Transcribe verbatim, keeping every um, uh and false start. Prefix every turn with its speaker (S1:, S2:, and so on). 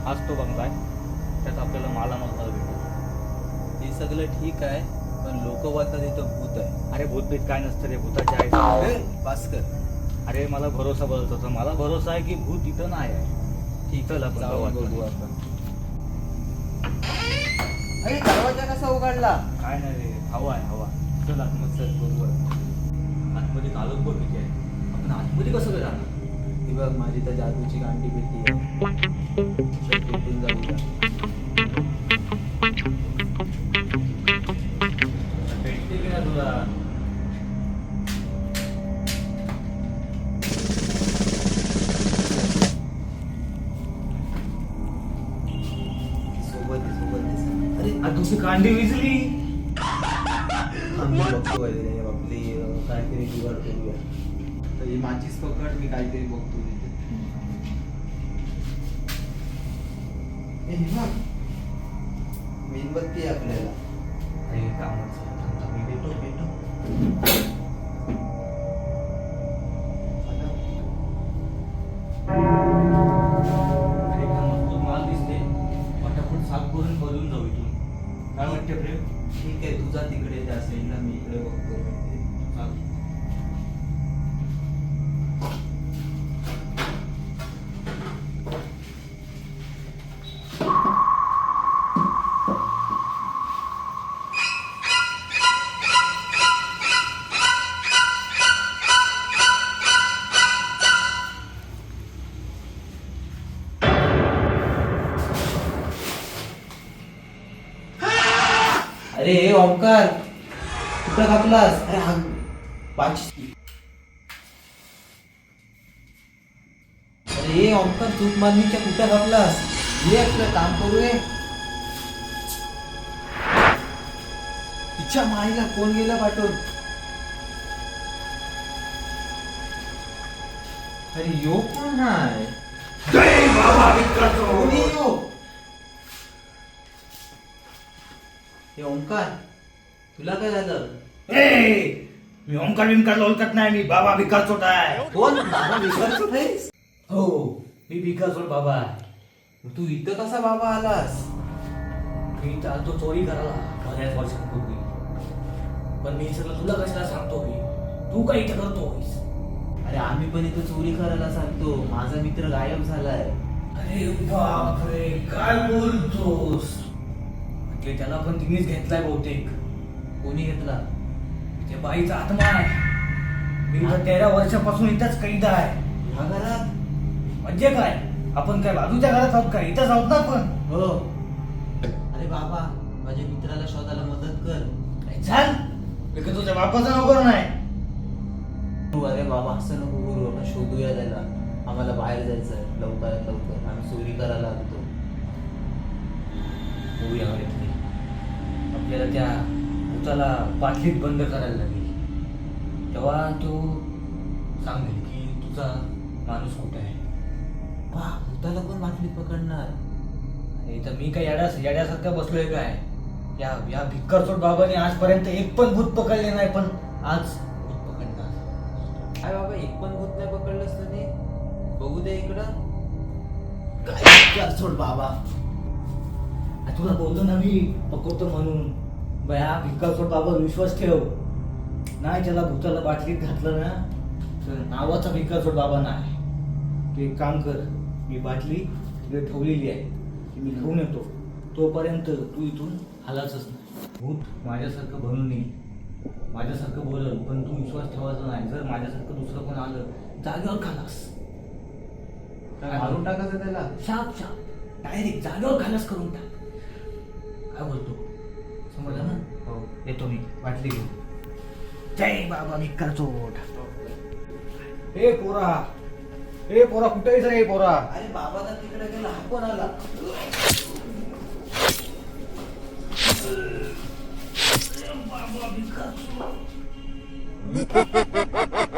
S1: हाच तो बंगला आहे, त्यात आपल्याला मालामाल मला भेटेल.
S2: ते सगळं ठीक आहे, पण लोक बोलतात इथं भूत आहे.
S1: अरे भूत बीत काय नसतं रे, भूताचे आहे.
S2: ए, भास्कर,
S1: अरे मला भरोसा बोलत होता, मला भरोसा आहे की भूत इथं नाही आहे.
S2: ठीक
S1: चल आपण
S2: जाऊन
S1: गावात
S2: बघू
S1: जाऊ.
S2: आपण. अरे दरवाजा कसा उघडला?
S1: काय नाही रे, हवा आहे हवा. चल आतमध्ये.
S2: चल बरोबर.
S1: आतमध्ये कालोख बघ किती आहे. आपण आतमध्ये कसं काय जाणार?
S2: ती बघ माझी तर जादूची गांडी पेटी आहे. चल, तिथून जाऊया.
S1: भेटते की ना तुला?
S2: सोबत आहे, सोबत आहे. अरे
S1: आ, तुझी कांडी विजली.
S2: आम्ही बघतो वगैरे आपली अं, काहीतरी जुगाड करूया. तर ही माझीच पकड, मी काहीतरी बघतो तिथे. ए, हे बघ. मेणबत्ती आहे आपल्याला.
S1: अरे कामच आहे. थांब, थांब, मी भेटतो भेटतो. अरे हा मजबूत माल दिसते. पटापट साफ करून बदलून जाऊ इथून. काय वाटते प्रेम?
S2: ठीक आहे, तुझा तिकडे त्या साईडला, मी इकडे बघतो.
S1: चाल.
S2: अरे हे ओंकार, कुठं कापलास? अरे हा पाच. अरे हे ओंकार, चूक मारणीच्या कुठं कापलास? ये आपलं काम करूये. तिच्या माईला कोण गेला पाठवून? अरे यो कोण आहे?
S1: जय बाबा विक्रांत.
S2: कोणी यो? हे ओंकार, तुला काय झालं?
S1: ए, मी ओंकार विंकारला ओळखत नाही, मी बाबा भिकार चोट आहे.
S2: कोण? बाबा विसरतो नाहीस?
S1: हो, मी भिकार चोट बाबा आहे.
S2: मग तू इथं कसा बाबा आलास?
S1: मी चालतो चोरी करायला बऱ्याच वर्षांपूर्वी, पण मी सगळं तुला कशाला सांगतोय? तू काय इथं करतोयस?
S2: अरे आम्ही पण इथं चोरी करायला सांगतो. माझा मित्र गायब झालाय.
S1: अरे बापरे, काय बोलतोस? म्हटले त्याला पण तिनेच घेतलाय बहुतेक.
S2: कोणी घेतला?
S1: त्या बाईचा आत्मा आहे. मी तर तेरा वर्षापासून इथंच कैद आहे.
S2: ह्या घरात?
S1: म्हणजे काय, आपण काय बाजूच्या घरात आहोत का? इथंच आहोत ना आपण.
S2: हो. अरे बाबा, माझ्या मित्राला शोधायला मदत कर.
S1: काय झाल? मी का तुझ्या बापाचा नोकर नाही?
S2: हो, अरे बाबा असं नको करू, आपण शोधूया त्याला. आम्हाला बाहेर जायचंय लवकरात लवकर. आम्ही चोरी करायला लागतो.
S1: होऊया इथे. आपल्याला त्या भूताला बाटलीत बंद करायला लागेल. तेव्हा तो सांगेल की तुझा माणूस कुठे आहे.
S2: वा, भूताला पण बाटलीत पकडणार?
S1: आणि तर मी काय येड्या येड्यासारखं बसलोय काय? या या भिक्करचोट बाबाने आजपर्यंत एक पण भूत पकडले नाही, पण आज भूत पकडणार.
S2: काय बाबा, एक पण भूत नाही पकडलंस तरी? बघू दे इकडं. काय सोड बाबा.
S1: आ, तुला बोलतो ना मी पकडतो म्हणून. बया भिक्करचोट बाबा विश्वास ठेव. नाही त्याला भूताला बाटलीत घातलं ना तर नावाचा भिक्करचोट बाबा नाही. तू एक काम कर, मी बाटली तिकडे ठेवलेली आहे, ती मी घेऊन येतो. तोपर्यंत तू इथून हालायचंच नाही. भूत माझ्यासारखं बनून येईल, माझ्यासारखं बोलल, पण तू विश्वास ठेवायचा नाही. जर माझ्यासारखं दुसरं कोण आलं जागेवर खालास.
S2: काय मारून टाकायचं त्याला?
S1: शाप शाप डायरेक्ट जागेवर खालास करून टाक. काय बोलतो, समजलं ना?
S2: हो.
S1: येतो मी बाटली घेऊन. जय बाबा भिक्करचोट. ए पोरा, ए पोरा, कुठे आहेस रे पोरा?
S2: अरे बाबा तर तिकडे गेला, हा कोण आला?
S1: बाबा भिक्करचोट.